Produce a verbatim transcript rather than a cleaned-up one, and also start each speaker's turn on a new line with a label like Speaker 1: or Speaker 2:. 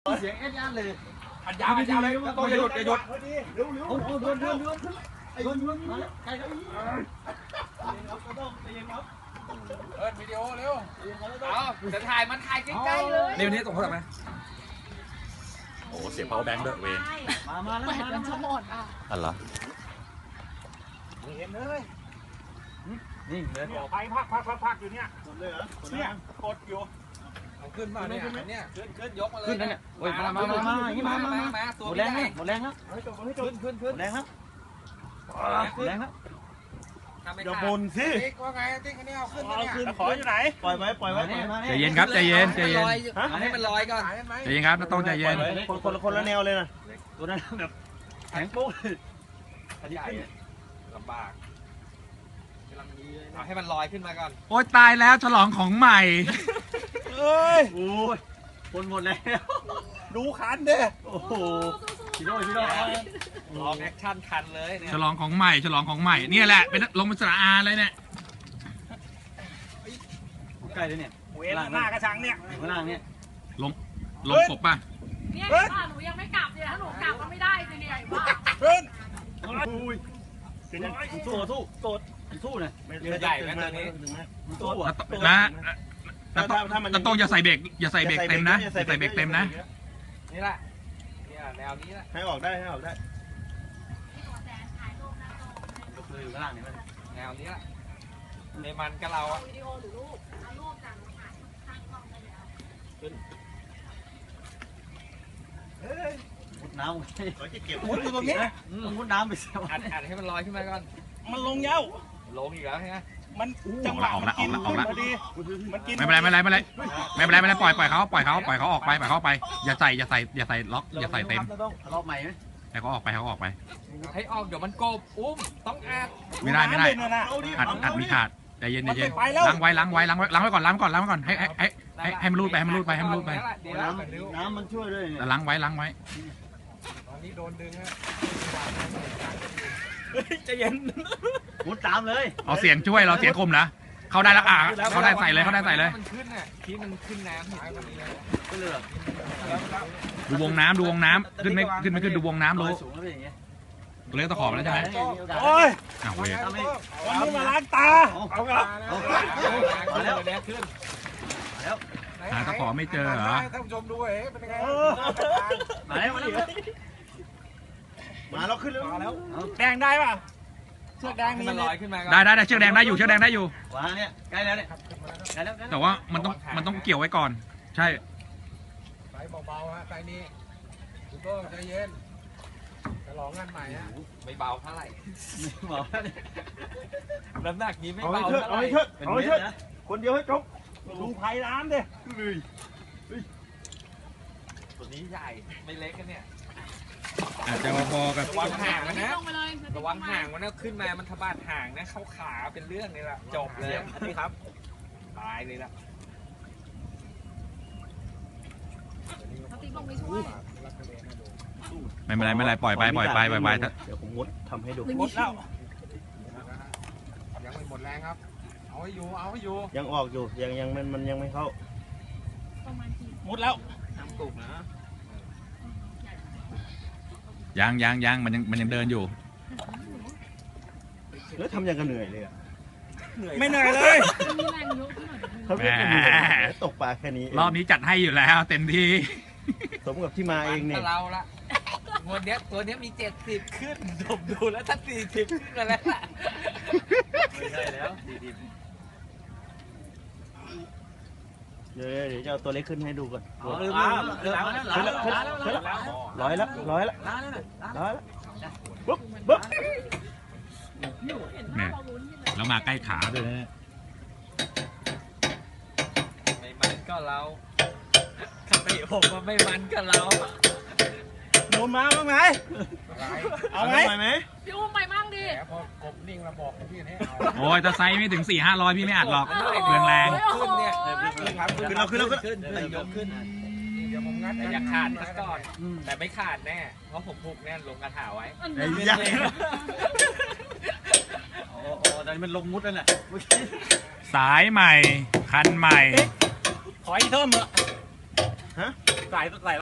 Speaker 1: เสียงแอดยานเลย
Speaker 2: อัดยาวอัดยาวเลยต้องอย่าหยุดอย่าหยุด
Speaker 1: เร็วเร็วโอ้โหโดนโดนโดนไอ้โดนโดนมาแล้วใครครับครับก็ต้องใจเย็นครับ
Speaker 2: เอิร์ดวิดีโอเร็วเอาจะถ่ายมันถ่ายใกล้ๆเลยเร็วนี้ส่งโทรศัพท์มาโอ้เสียบ power bank ด้วยเวน
Speaker 1: มามาแล้วมาแล้วหมดอ่ะ
Speaker 2: อะไร
Speaker 1: เห็นเลยนี่เลย
Speaker 3: ไปพักพักพักพักอยู่เนี่ย
Speaker 1: กดเลยเหรอ
Speaker 3: เนี่ยกดอยู่
Speaker 2: เอาขึ้นมาเนี่ยเนี่ยขึ้นขึ้นยกมาเลย
Speaker 1: ขึ้นนั่นเนี่ยโอ้ยมามามามาอย่างนี้มามามาหมดแรงแล้วหมดแรงแล้ว
Speaker 2: ขึ้นขึ้นขึ้น
Speaker 1: แรงแล้วแรงแล้ว
Speaker 3: อย่าบ่นสิ
Speaker 2: ว่าไงติ๊กอันนี้เอาขึ้นเนี่ย
Speaker 3: ขออยู่ไหน
Speaker 1: ปล่อยไว้ปล่อยไว้
Speaker 4: ใจเย็นครับใจเย็นใจเย็น
Speaker 2: ให้มันลอยก่อน
Speaker 4: ใจเย็นครับต้องใจเย็น
Speaker 1: คนคนละคนละแนวเลยนะตัวนั้นแบบแข็งโป๊ก
Speaker 2: อันนี้ลำบากเอาให้มันลอยขึ้นมาก่อน
Speaker 4: โอ๊ยตายแล้วฉลองของใหม่
Speaker 1: เอ้ยโอ้ยคนหมดแล้ว
Speaker 3: ดูคันเด้
Speaker 1: โอ้โหชิโร่ชิโร่
Speaker 2: ลองแอคชั่นคันเลยเนี่ย
Speaker 4: ฉลองของใหม่ฉลองของใหม่เนี่ยแหละเป็นลงเป็นสระอาเลยเนี่ย
Speaker 1: ใกล้เลยเนี่ย
Speaker 3: เวลาหน้ากระชังเนี่ย
Speaker 1: ข้างล่างเนี่ย
Speaker 4: ลงลงกบป่ะ
Speaker 5: เนี่ยบ้านหนูยังไม่กลับเลยถ้าหนูกลับก็ไม่ได้เลยเนี่ยบ้า
Speaker 3: เฮ้ย
Speaker 1: อุ้ยสู้สู้สู้สู้นะ
Speaker 2: ใหญ่ไหมตัวนี้
Speaker 1: สู้อ่ะ
Speaker 4: นะแต่ต้องอย่าใส่เบรกอย่าใส่เบรกเต็มนะใส่เบรกเต็มนะ
Speaker 2: นี่แหละนี่แนวนี้แหละ
Speaker 1: ให้ออกได้ให้ออกได้อยู่ข้างล่างนี่
Speaker 2: แนวนี้แหละในมันกับเราอะ
Speaker 5: วิดีโอหรือรูปเอารูปจากถ่ายข้างกล้องได้แล้ว
Speaker 1: มุดน้ำเขาจะเก็บมุดอยู่ตรงนี้มุดน้ำไปเสีย
Speaker 2: อัดอัดให้มันลอยขึ้นมาก่อน
Speaker 3: มันลงเย้า
Speaker 2: ลงอีกแล้วใช่ไหม
Speaker 3: มันจังหวะมันกินพอดี
Speaker 4: มันกินไม่เป็นไรไม่เป็นไรไม่เป็นไรไม่เป็นไรไม่เป็นไรปล่อยปล่อยเขาปล่อยเขาปล่อยเขาออกไปปล่อยเขาไปอย่าใส่อย่าใส่อย่าใส่ล็อกอย่าใส่เต็ม
Speaker 1: รอบใหม่ไหม
Speaker 4: ให้เขาออกไปให้เขาออกไป
Speaker 2: ให้ออกเดี๋ยวมันโกบอุ้มต้องอัด
Speaker 4: ไม่ได้ไม่ได้อัดอัดมีขาดใจเย็นใจเย็นล้างไว้ล้างไว้ล้างไว้ล้างไว้ก่อนล้างก่อนล้างไว้ก่อนให้ให้ให้ให้มันรูดไปให้มันรูดไปให้มันรูดไป
Speaker 1: น้ำน้ำมันช่วยด้วย
Speaker 4: ล้างไว้ล้างไว้
Speaker 2: ตอนนี้โดนดึงฮะ
Speaker 3: ใจเย็น
Speaker 1: มุดตามเลย
Speaker 4: เอาเสียงช่วยเราเสียงคมนะเขาได้แล้วอ่ะเขาได้ใส่เลยเขาได้ใส่เลย
Speaker 2: มันขึ้นอ่ะที่มันขึ้นน้ำหายวันนี้
Speaker 1: ก็เลย
Speaker 4: ดูวงน้ำดูวงน้ำขึ้นไม่ขึ้นไม่ขึ้นดูวงน้ำรู้ตัวเล็กตะขอบแล้วใช่ไหม
Speaker 3: โอ้ย
Speaker 4: อ้าวเว้ย
Speaker 3: วันนี้มาล้างตาเอาครับ
Speaker 2: มาแล้วขึ้น
Speaker 1: แล้ว
Speaker 4: หาตะขอไม่เจอเหรอ
Speaker 2: ท่านผู้ชมดูเอ๊ะเป็นยังไง
Speaker 1: มาแล้วมาแล้วมาแล้วขึ้นแล้ว
Speaker 3: มาแล้วแดงได้ป่ะเชือกแดงมี
Speaker 2: มันลอยขึ้นมา
Speaker 4: ได้ได้ได้เชือกแดงได้อยู่เชือกแดงได้อยู่
Speaker 1: ว้าเนี่ยใกล้แล้วเนี่ยใกล้แล้ว
Speaker 4: แต่ว่ามันต้องมันต้องเกี่ยวไว้ก่อนใช่
Speaker 2: ไปเบาๆฮะไปนี่คุณโต้ใจเย็นจะลองงานใหม่ฮะไม่เบาเท่าไหร่
Speaker 1: เบา
Speaker 2: น้ำหนักนี้ไม่เบา
Speaker 3: เท่าไหร่เอาให้เชิดเอาให้เชิดคนเดียวให้จบดูไผ่น้ำดิ
Speaker 2: ตัวนี้ใหญ่ไม่เล็กกันเนี่ย
Speaker 4: อาจจะพอกับ
Speaker 2: ระวังห่างนะระวังห่างมันนะขึ้นมามันทะบาดห่างนะเข้าขาเป็นเรื่องเลยล่ะจบเลยนี่ครับตายเลยล่ะ
Speaker 4: ไม่เป็นไรไม่เป็นไรปล่อยไปปล่อยไปปล่อยไป
Speaker 1: เดี๋ยวผมมุดทำให้ดู
Speaker 3: มุดแล้ว
Speaker 2: ยังไม่หมดแรงครับเอาให้อยู่เอาให้อยู่
Speaker 1: ยังออกอยู่ยังยังมันมันยังไม่เข้า
Speaker 3: มุดแล้ว
Speaker 2: น้ำตุกนะ
Speaker 4: ยังยังยังมันยังมันยังเดินอยู่
Speaker 1: แล้วทำยังกันเหนื่อยเลยอ่ะ
Speaker 3: ไม่เหนื่อยเลย
Speaker 1: เขาเรียกกันตกปลาแค่นี้
Speaker 4: รอบนี้จัดให้อยู่แล้วเต็มที่
Speaker 1: สมกับที่มาเองเนี่ย
Speaker 2: เราละตัวเนี้ยตัวเนี้ยมีเจ็ดสิบขึ้นผมดูแล้วถ้าสี่สิบขึ้นมาแล้ว
Speaker 1: ไม่ใช่แล้วสี่สิบเดี๋ยวเดี๋ยวจะเอาตัวเล็กขึ้นให้ดูก่อนร้อยแล้วร้อยแล้วร้อยแล้วปุ๊บปุ๊บ
Speaker 4: เนี่ยแล้วมาใกล้ขาด้วยนะ
Speaker 2: ไม่มันก็เราคติผมมันไม่มันก็เรา
Speaker 3: โดนมาบ้างไหมเอาไหม
Speaker 1: ไหม
Speaker 5: พี่อุ้มไปมั่งดิ
Speaker 2: พอกบนิ่งมาบอกพี่ให้เอา
Speaker 4: โอ้ยจะไซส์ไม่ถึงสี่ห้าร้อยพี่ไม่อัดหรอกเรื่องแรง
Speaker 2: ขึ้นเนี่ย
Speaker 1: ขึ้นเราขึ้นเรา
Speaker 2: ขึ้นยกขึ้นเดี๋ยวผมงัดอย่าขาดซะก่อนแต่ไม่ขาดแน่เพราะผมผูกแน่นลงกระถาไว้
Speaker 1: ไอ้ยักษ์โอ้โหตอนนี้มันลงมุดแล้วน่ะ
Speaker 4: สายใหม่คันใหม่
Speaker 3: ขออีกเท่ามั้ยฮะสายสาย